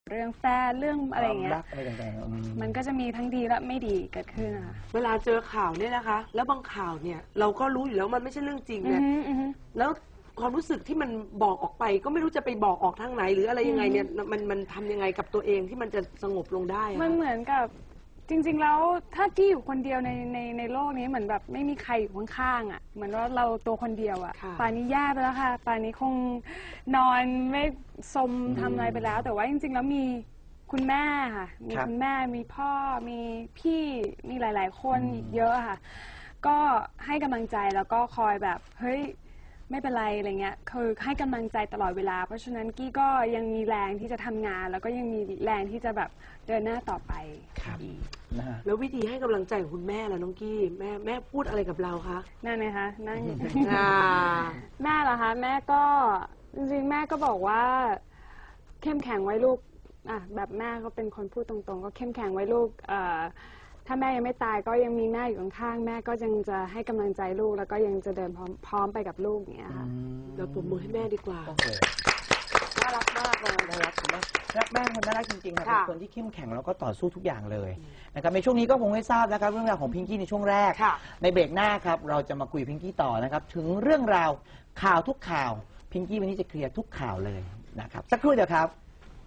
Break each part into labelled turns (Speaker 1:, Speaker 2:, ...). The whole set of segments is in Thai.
Speaker 1: เรื่องแฟนเรื่องอะไรอย่างเงี้ยมันก็จะมีทั้งดีและไม่ดีเกิดขึ้นค่ะ
Speaker 2: เวลาเจอข่าวเนี่ยนะคะแล้วบางข่าวเนี่ยเราก็รู้อยู่แล้วมันไม่ใช่เรื่องจริงเนี่ยแล้วความรู้สึกที่มันบอกออกไปก็ไม่รู้จะไปบอกออกทางไหนหรืออะไรยังไงเนี่ยมันทำยังไงกับตัวเองที่มันจะสงบลงได้
Speaker 1: มันเหมือนกับจริงๆแล้วถ้ากี้อยู่คนเดียวในโลกนี้เหมือนแบบไม่มีใครอยู่ข้างๆอ่ะเหมือนว่าเราตัวคนเดียวอ่ะป่านนี้แย่ไปแล้วค่ะป่านนี้คงนอนไม่สมทำอะไรไปแล้วแต่ว่าจริงๆแล้วมีคุณแม่ค่ะมีคุณแม่มีพ่อมีพี่มีหลายๆคนอีกเยอะค่ะก็ให้กำลังใจแล้วก็คอยแบบเฮ้ยไม่เป็นไรอะไรเงี้ยคือให้กำลังใจตลอดเวลาเพราะฉะนั้นกี้ก็ยังมีแรงที่จะทำงานแล้วก็ยังมีแรงที่จะแบบเดินหน้าต่อไป
Speaker 2: แล้ววิธีให้กำลังใจของคุณแม่ล่ะน้องกี้แม่พูดอะไรกับเราคะ
Speaker 1: นั่นไงคะนั่งแม่เหรอคะแม่ก็จริงๆแม่ก็บอกว่าเข้มแข็งไว้ลูกแบบแม่ก็เป็นคนพูดตรงๆก็เข้มแข็งไว้ลูกถ้าแม่ยังไม่ตายก็ยังมีแม่อยู่ข้างๆแม่ก็ยังจะให้กำลังใจลูกแล้วก็ยังจะเดินพร้อมไปกับลูกอย่างเงี้ยค่ะ
Speaker 2: เราปรบมือให้แม่ดีกว่าน่ารักมากเลย
Speaker 3: น่ารักมากแม่คนน่ารักจริงๆค่ะเป็นคนที่เข้มแข็งแล้วก็ต่อสู้ทุกอย่างเลยนะครับในช่วงนี้ก็คงให้ทราบนะครับเรื่องราวของพิงกี้ในช่วงแรกในเบรกหน้าครับเราจะมาคุยพิงกี้ต่อนะครับถึงเรื่องราวข่าวทุกข่าวพิงกี้วันนี้จะเคลียร์ทุกข่าวเลยนะครับสักครู่เดียวครับ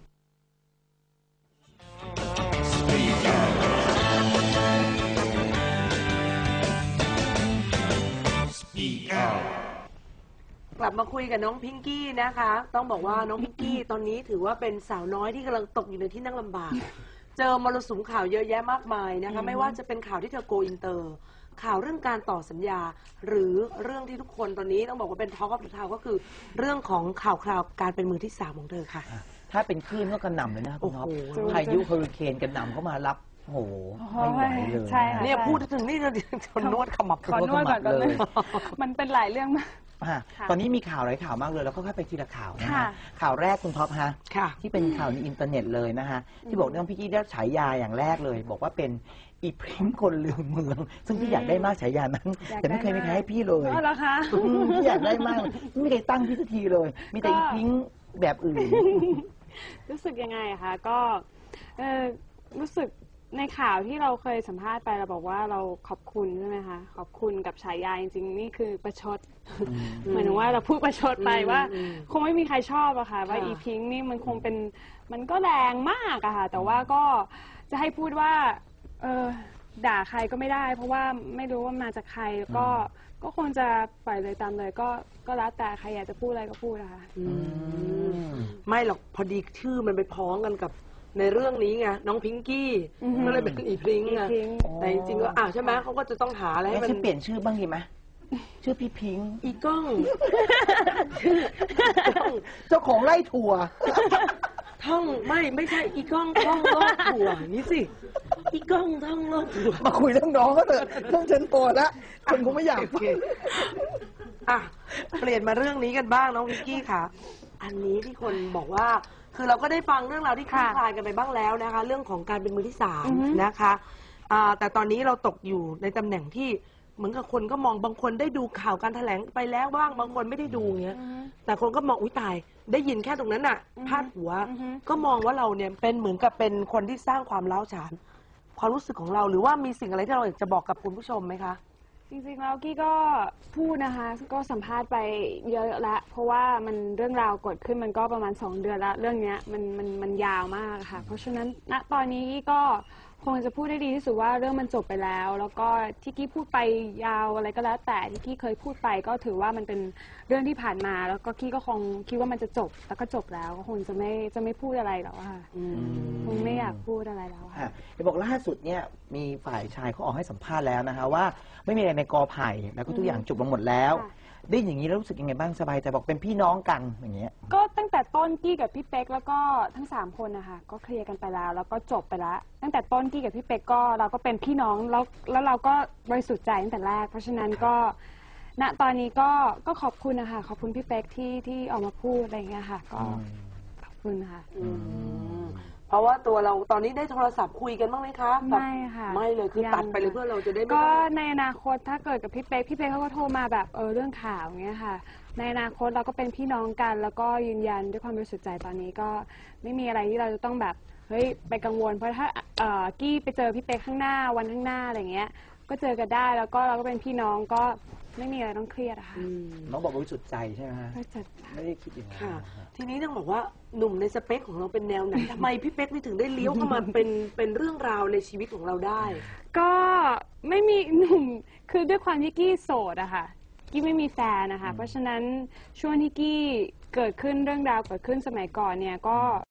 Speaker 2: กลับมาคุยกับน้องพิงกี้นะคะต้องบอกว่าน้องพิงกี้ตอนนี้ถือว่าเป็นสาวน้อยที่กำลังตกอยู่ในที่นั่งลำบากเจอมรสุมข่าวเยอะแยะมากมายนะคะไม่ว่าจะเป็นข่าวที่เธอโกอินเตอร์ข่าวเรื่องการต่อสัญญาหรือเรื่องที่ทุกคนตอนนี้ต้องบอกว่าเป็นท็อกออฟเดอะทาวน์ก็คือเรื่องของข่าวคราวการเป็นมือที่3ของเธอค่ะ
Speaker 3: ถ้าเป็นคลื่นก็กระหน่ำเลยนะคุณท็อปพายุเฮอริเคนกระหน่ำเข้ามารับโอ้โหไม่ไหวเลย
Speaker 2: เนี่ยพูดถึงนี่เราจะนวดขมับ
Speaker 1: ขอนวดก่อนเลยมันเป็นหลายเรื่องมาก
Speaker 3: ตอนนี้มีข่าวหลายข่าวมากเลยแล้วก็ค่อยไปทีละข่าวนะฮะข่าวแรกคุณท็อปฮะที่เป็นข่าวในอินเทอร์เน็ตเลยนะฮะที่บอกเรื่องพี่กี้ได้ฉายาอย่างแรกเลยบอกว่าเป็นอีพริ้งคนลืมเมืองซึ่งพี่อยากได้มากฉายานั้นแต่ไม่เคยมีใครให้พี่เลย
Speaker 1: เหรอคะ
Speaker 3: พี่อยากได้มากไม่มีใครตั้งพี่สักทีเลยมีแต่อีพริ้งแบบอื่น
Speaker 1: รู้สึกยังไงคะก็รู้สึกในข่าวที่เราเคยสัมภาษณ์ไปเราบอกว่าเราขอบคุณใช่ไหมคะขอบคุณกับฉายาจริงๆนี่คือประชดหมายถึงว่าเราพูดประชดไปว่าคงไม่มีใครชอบอะค่ะว่าอีพิงค์นี่มันคงเป็นมันก็แรงมากอะค่ะแต่ว่าก็จะให้พูดว่าด่าใครก็ไม่ได้เพราะว่าไม่รู้ว่ามาจากใครก็คงจะปล่อยเลยตามเลยก็แล้วแต่ใครอยากจะพูดอะไรก็พูดนะคะ
Speaker 2: ไม่หรอกพอดีชื่อมันไปพ้องกันกับในเรื่องนี้ไงน้องพิงกี้ก็เลยเป็นอีพริ้งไงแต่จริงๆก็ใช่ไหมเขาก็จะต้องหาอะไรให้มัน
Speaker 3: เปลี่ยนชื่อบ้างดีไหมชื่อพี่พิง
Speaker 2: อีก้อง
Speaker 3: เจ้าของไร่ถั่ว
Speaker 2: ท่องไม่ใช่อีก้องท่องโลกถั่วนี่สิอีก้องท่องโลกถั่ว
Speaker 3: มาคุยเรื่องน้องก็เถอะเรื่องฉันโตแล้วคนคงไม่อยากเป
Speaker 2: ลี่ยนมาเรื่องนี้กันบ้างน้องพิงกี้ค่ะอันนี้ที่คนบอกว่าคือเราก็ได้ฟังเรื่องราวที่คลี่คลายกันไปบ้างแล้วนะคะเรื่องของการเป็นมือที่3นะคะแต่ตอนนี้เราตกอยู่ในตำแหน่งที่เหมือนกับคนก็มองบางคนได้ดูข่าวการแถลงไปแล้วบ้างบางคนไม่ได้ดูเงี้ยแต่คนก็มองอุ้ยตายได้ยินแค่ตรงนั้นน่ะพาดหัวก็มองว่าเราเนี่ยเป็นเหมือนกับเป็นคนที่สร้างความร้าวฉานความรู้สึกของเราหรือว่ามีสิ่งอะไรที่เราอยากจะบอกกับคุณผู้ชมไหมคะ
Speaker 1: จริงๆแล้วกี้ก็พูดนะคะก็สัมภาษณ์ไปเยอะแล้วเพราะว่ามันเรื่องราวเกิดขึ้นมันก็ประมาณ2 เดือนแล้วเรื่องนี้มันยาวมากค่ะเพราะฉะนั้นณตอนนี้กี้ก็คงจะพูดได้ดีที่สุดว่าเรื่องมันจบไปแล้วแล้วก็ที่กี้พูดไปยาวอะไรก็แล้วแต่ที่กี้เคยพูดไปก็ถือว่ามันเป็นเรื่องที่ผ่านมาแล้วก็กี้ก็คงคิดว่ามันจะจบแล้วก็จบแล้วก็คงจะไม่พูดอะไรแล้วค่ะคงไม่อยากพูดอะไรแล้วค่ะ
Speaker 3: บอกล่าสุดเนี่ยมีฝ่ายชายเขาออกให้สัมภาษณ์แล้วนะคะว่าไม่มีอะไรในกอไผ่แล้วก็ทุกอย่างจบลงหมดแล้วได้อย่างนี้แล้วรู้สึกยังไงบ้างสบายใจบอกเป็นพี่น้องกันอย่างเงี้ย
Speaker 1: ก็ตั้งแต่ต้นกี้กับพี่เป๊กแล้วก็ทั้ง3 คนนะคะก็เคลียร์กันไปแล้วก็จบไปแล้วตั้งแต่ต้นกี้กับพี่เป๊กก็เราก็เป็นพี่น้องแล้วเราก็บริสุทธิ์ใจตั้งแต่แรกเพราะฉะนั้นก็ณตอนนี้ก็ขอบคุณนะคะขอบคุณพี่เป๊กที่ออกมาพูดอะไรอย่างเงี้ยค่ะก็ขอบคุณค่ะ
Speaker 2: เพราะว่าตัวเราตอนนี้ได้โทรศัพท์คุยกันบ้างไหมคะแบบ
Speaker 1: ไม่ค่ะ
Speaker 2: ไม่เลยคือ
Speaker 1: ยัง
Speaker 2: ตัดไปเลยเพื่อเราจะได้ไม่
Speaker 1: ก็
Speaker 2: ต้อง
Speaker 1: ในอนาคตถ้าเกิดกับพี่เป๊กเขาก็โทรมาแบบเรื่องข่าวเงี้ยค่ะในอนาคตเราก็เป็นพี่น้องกัน แล้วก็ยืนยันด้วยความบริสุทธิ์ใจตอนนี้ก็ไม่มีอะไรที่เราจะต้องแบบเฮ้ยไปกังวลเพราะถ้ากี้ไปเจอพี่เป๊กข้างหน้าวันข้างหน้าอะไรเงี้ยก็เจอกันได้แล้วก็เราก็เป็นพี่น้องก็ไม่มีอะไรต้องเครียดอะค่ะ
Speaker 3: น้องบอกบริสุทธิ์ใจใช่ไหมฮะ
Speaker 1: ก็จัด
Speaker 3: ไม่ได้คิดอย่างนั้น
Speaker 2: ค่ะ
Speaker 3: นะฮะ
Speaker 2: ทีนี้ต้องบอกว่าหนุ่มในสเปคของเราเป็นแนวไหน ทำไมพี่เป๊กนี่ถึงได้เลี้ยวเข้ามาเป็นเรื่องราวในชีวิตของเราได้
Speaker 1: ก็ไม่มีหนุ่มคือด้วยความที่กี้โสดอะค่ะกี้ไม่มีแฟนนะคะเพราะฉะนั้นช่วงที่กี้เกิดขึ้นเรื่องราวเกิดขึ้นสมัยก่อนเนี่ยก็